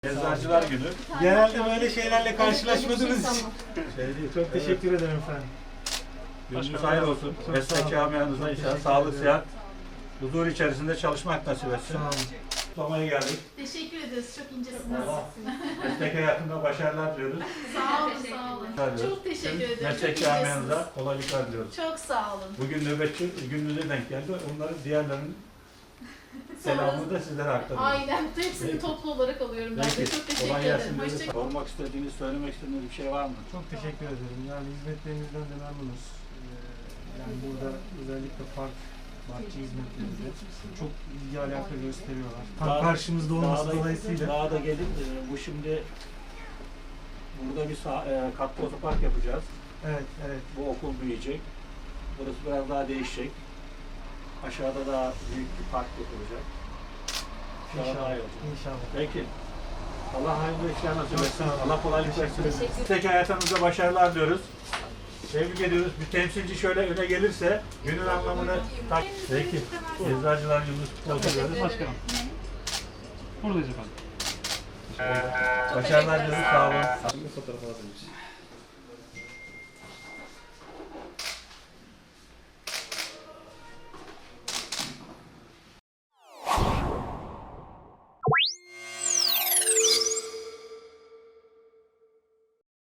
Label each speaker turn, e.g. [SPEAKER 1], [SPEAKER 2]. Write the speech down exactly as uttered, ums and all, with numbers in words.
[SPEAKER 1] Eczacılar Günü.
[SPEAKER 2] Genelde böyle şeylerle karşılaşmadığınız
[SPEAKER 3] Evet,
[SPEAKER 2] için.
[SPEAKER 1] Şey değil,
[SPEAKER 2] Çok teşekkür ederim efendim.
[SPEAKER 1] Gününüz hayırlı olsun.
[SPEAKER 2] Çok
[SPEAKER 1] Meslek
[SPEAKER 2] sağ olun.
[SPEAKER 1] camianıza
[SPEAKER 2] Çok
[SPEAKER 1] inşallah
[SPEAKER 2] teşekkür
[SPEAKER 1] sağlık,
[SPEAKER 2] ederim.
[SPEAKER 1] sıhhat, huzur içerisinde çalışmak nasip etsin.
[SPEAKER 2] Sağ olun.
[SPEAKER 1] Kutlamaya geldik.
[SPEAKER 3] Teşekkür ederiz. Çok incesiniz.
[SPEAKER 1] Allah meslek hayatında başarılar diliyoruz.
[SPEAKER 3] Sağ olun, sağ olun.
[SPEAKER 1] Diliyoruz.
[SPEAKER 3] Çok teşekkür
[SPEAKER 1] Tüm
[SPEAKER 3] ederim.
[SPEAKER 1] Meslek
[SPEAKER 3] Çok
[SPEAKER 1] camianıza
[SPEAKER 3] incesiniz.
[SPEAKER 1] kolaylıklar diliyoruz.
[SPEAKER 3] Çok sağ olun.
[SPEAKER 1] Bugün nöbetçi gününüze denk geldi. Onların diğerlerinin selamını da sizlere aktarıyorum.
[SPEAKER 3] Aynen. Hepsini
[SPEAKER 1] Peki.
[SPEAKER 3] toplu olarak alıyorum ben de.
[SPEAKER 1] Peki.
[SPEAKER 3] Çok teşekkür
[SPEAKER 1] Kolay
[SPEAKER 3] ederim.
[SPEAKER 1] gelsin. diyoruz.
[SPEAKER 3] Hoşçakalın.
[SPEAKER 1] Sormak istediğiniz, söylemek istediğiniz bir şey var mı?
[SPEAKER 2] Çok teşekkür ederim. Yani hizmetlerinizden de memnunuz. Ee, Yani burada özellikle park, bahçe hizmetlerinde çok ilgi alaka gösteriyorlar. Tam
[SPEAKER 1] Daha-
[SPEAKER 2] karşımızda olması
[SPEAKER 1] Daha da-
[SPEAKER 2] dolayısıyla.
[SPEAKER 1] Daha da gelin. e, Bu şimdi burada bir sağ, e, katlı otopark yapacağız.
[SPEAKER 2] Evet, evet.
[SPEAKER 1] Bu okul büyüyecek. Burası biraz daha değişecek. Aşağıda daha büyük bir park yapılacak. İnşallah daha
[SPEAKER 2] İnşallah.
[SPEAKER 1] iyi olacak.
[SPEAKER 2] İnşallah.
[SPEAKER 1] Peki. Allah hayırlı işler nasip
[SPEAKER 2] Çok
[SPEAKER 1] etsin.
[SPEAKER 2] sağ olun.
[SPEAKER 1] Allah kolaylık
[SPEAKER 2] Teşekkür
[SPEAKER 1] versin.
[SPEAKER 2] ederim.
[SPEAKER 1] Meslek hayatınızda başarılar diyoruz. Tebrik ediyoruz. Bir temsilci şöyle öne gelirse günün anlamını tak. Peki. Eczacılar Yıldız Kutlu diyoruz.
[SPEAKER 4] Başkanım. Buradayız efendim.
[SPEAKER 1] Başarılar diliyoruz. Sağ olun.
[SPEAKER 4] Fotoğraf alabiliriz.